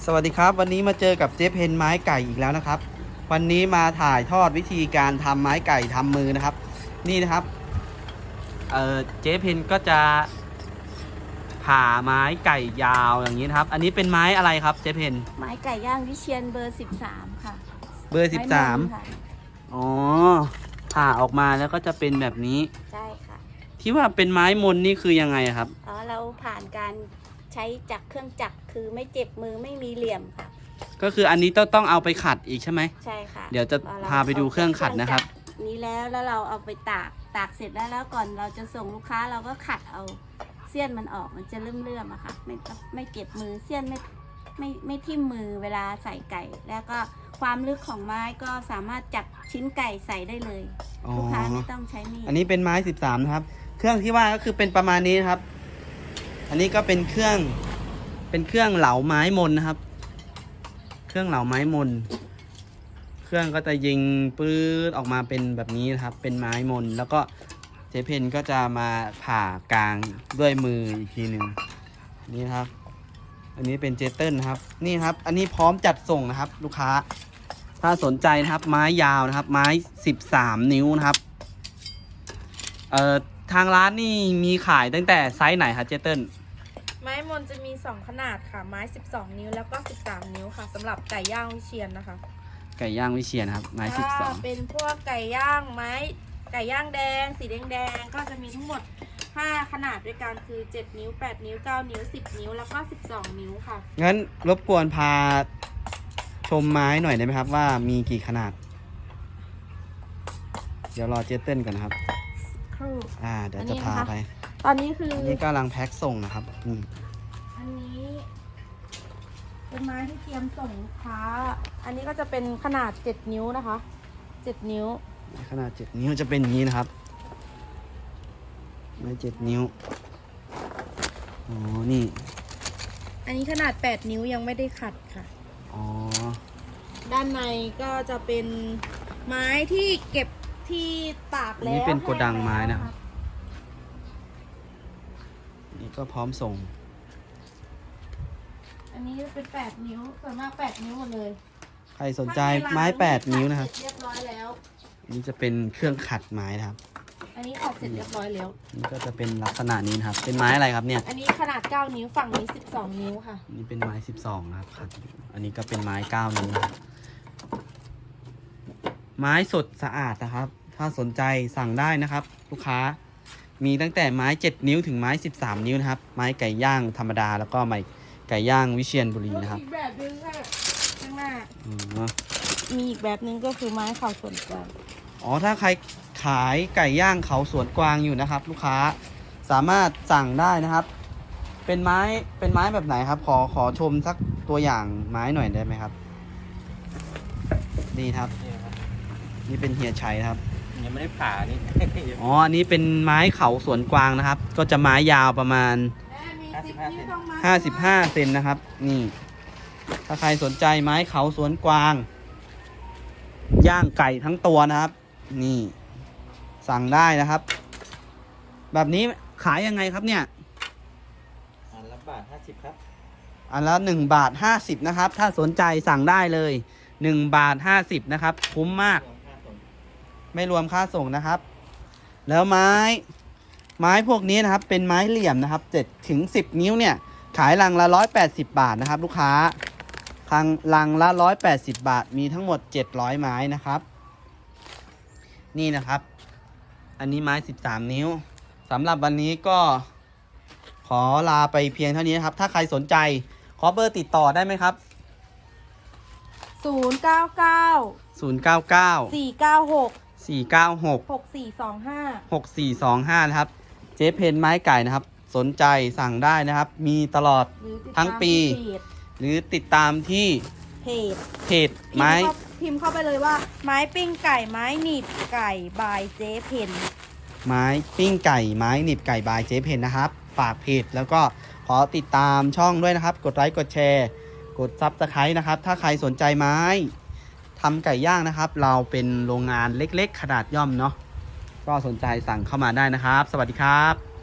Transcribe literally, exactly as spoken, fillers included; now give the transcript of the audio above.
สวัสดีครับวันนี้มาเจอกับเจ๊เพนไม้ไก่อีกแล้วนะครับวันนี้มาถ่ายทอดวิธีการทำไม้ไก่ทำมือนะครับนี่นะครับเออเจ๊เพนก็จะผ่าไม้ไก่ยาวอย่างนี้นะครับอันนี้เป็นไม้อะไรครับเจ๊เพนไม้ไก่ย่างวิเชียนเบอร์สิบสามค่ะเบอร์สิบสามอ๋อผ่าออกมาแล้วก็จะเป็นแบบนี้ใช่ค่ะที่ว่าเป็นไม้มนนี่คือยังไงครับอ๋อเราผ่านการใช้จักรเครื่องจักรคือไม่เจ็บมือไม่มีเหลี่ยมค่ะก็คืออันนี้ต้องต้องเอาไปขัดอีกใช่ไหมใช่ค่ะเดี๋ยวจะพาไปดูเครื่องขัดนะครับนี้แล้วแล้วเราเอาไปตากตากเสร็จแล้วแล้วก่อนเราจะส่งลูกค้าเราก็ขัดเอาเสี้ยนมันออกมันจะเลื่อมๆอะค่ะไม่ไม่เจ็บมือเสี้ยนไม่ไม่ไม่ทิ่มมือเวลาใส่ไก่แล้วก็ความลึกของไม้ก็สามารถจับชิ้นไก่ใส่ได้เลยลูกค้าไม่ต้องใช้มีดอันนี้เป็นไม้สิบสามนะครับเครื่องที่ว่าก็คือเป็นประมาณนี้นะครับอันนี้ก็เป็นเครื่องเป็นเครื่องเหลาไม้มนนะครับเครื่องเหลาไม้มนเครื่องก็จะยิงปื๊ดออกมาเป็นแบบนี้นะครับเป็นไม้มนแล้วก็เจ๊เพนก็จะมาผ่ากลางด้วยมืออีกทีหนึ่งนี่นะครับอันนี้เป็นเจเติลนะครับนี่ครับอันนี้พร้อมจัดส่งนะครับลูกค้าถ้าสนใจนะครับไม้ยาวนะครับไม้สิบสามนิ้วนะครับเอ่อทางร้านนี่มีขายตั้งแต่ไซส์ไหนครับเจเติลไม้มนจะมีสองขนาดค่ะไม้สิบสองนิ้วแล้วก็สิบสามนิ้วค่ะสำหรับไก่ย่างวิเชียรนะคะไก่ย่างวิเชียรครับไม้สิบสองเป็นพวกไก่ย่างไม้ไก่ย่างแดงสีแดงแดงก็จะมีทั้งหมดห้าขนาดด้วยกันคือเจ็ดนิ้วแปดนิ้วเก้านิ้วสิบนิ้วแล้วก็สิบสองนิ้วค่ะงั้นรบกวนพาชมไม้หน่อยได้ไหมครับว่ามีกี่ขนาดเดี๋ยวรอเจเติลกันนะครับครูอ่าเดี๋ยวจะพาไปตอนนี้คืออันนี้กำลังแพ็คส่งนะครับนี่อันนี้เป็นไม้ที่เตรียมส่งลูกค้าอันนี้ก็จะเป็นขนาดเจ็ดนิ้วนะคะเจ็ดนิ้วขนาดเจ็ดนิ้วจะเป็นอย่างนี้นะครับไม้เจ็ดนิ้วอ๋อนี่อันนี้ขนาดแปดนิ้วยังไม่ได้ขัดค่ะอ๋อด้านในก็จะเป็นไม้ที่เก็บที่ตากแล้วนี่เป็นโกดังไม้นะครับนี่ก็พร้อมส่งอันนี้เป็นแปดนิ้วส่วนมากแปดนิ้วหมดเลยใครสนใจไม้แปดนิ้วนะครับเรียบร้อยแล้วนี่จะเป็นเครื่องขัดไม้นะครับอันนี้ขัดเสร็จเรียบร้อยแล้วนี่ก็จะเป็นลักษณะนี้นะครับเป็นไม้อะไรครับเนี่ยอันนี้ขนาดเก้านิ้วฝั่งนี้สิบสองนิ้วค่ะนี่เป็นไม้สิบสองนะครับขัดอันนี้ก็เป็นไม้เก้านิ้วนะครับไม้สดสะอาดนะครับถ้าสนใจสั่งได้นะครับลูกค้ามีตั้งแต่ไม้เจ็ดนิ้วถึงไม้สิบสามนิ้วนะครับไม้ไก่ย่างธรรมดาแล้วก็ไม้ไก่ย่างวิเชียรบุรีนะครับอีกแบบนึงค่ะข้างหน้าอืมมีอีกแบบนึงก็คือไม้เขาสวนกวางอ๋อถ้าใครขายไก่ย่างเขาสวนกวางอยู่นะครับลูกค้าสามารถสั่งได้นะครับเป็นไม้เป็นไม้แบบไหนครับขอขอชมสักตัวอย่างไม้หน่อยได้ไหมครับนี่ครับนี่เป็นเฮียชัยครับยังไม่ได้ผ่านี่อ๋ออันนี้เป็นไม้เขาสวนกวางนะครับก็จะไม้ยาวประมาณห้าสิบห้าเซนนะครับนี่ถ้าใครสนใจไม้เขาสวนกวางย่างไก่ทั้งตัวนะครับนี่สั่งได้นะครับแบบนี้ขายยังไงครับเนี่ยอันละบาทห้าสิบครับอันละหนึ่งบาทห้าสิบนะครับถ้าสนใจสั่งได้เลยหนึ่งบาทห้าสิบนะครับคุ้มมากไม่รวมค่าส่งนะครับแล้วไม้ไม้พวกนี้นะครับเป็นไม้เหลี่ยมนะครับเจ็ดถึงสิบนิ้วเนี่ยขายลังละร้อยแปดสิบบาทนะครับลูกค้าลังลังละร้อยแปดสิบบาทมีทั้งหมดเจ็ดร้อยไม้นะครับนี่นะครับอันนี้ไม้สิบสามนิ้วสำหรับวันนี้ก็ขอลาไปเพียงเท่านี้นะครับถ้าใครสนใจขอเบอร์ติดต่อได้ไหมครับศูนย์เก้าเก้าศูนย์เก้าเก้าสี่เก้าหกสี่เก้าหกหกสี่สองห้าหกสี่สองห้านะครับเจ๊เพนไม้ไก่นะครับสนใจสั่งได้นะครับมีตลอดทั้งปีหรือติดตามที่เพจเพจไม้พิมพ์เข้าไปเลยว่าไม้ปิ้งไก่ไม้หนีบไก่บายเจ๊เพนไม้ปิ้งไก่ไม้หนีบไก่บายเจ๊เพนนะครับฝากเพจแล้วก็ขอติดตามช่องด้วยนะครับกดไลค์กดแชร์กดซับสไครต์นะครับถ้าใครสนใจไม้ทำไก่ย่างนะครับเราเป็นโรงงานเล็กๆขนาดย่อมเนาะก็สนใจสั่งเข้ามาได้นะครับสวัสดีครับ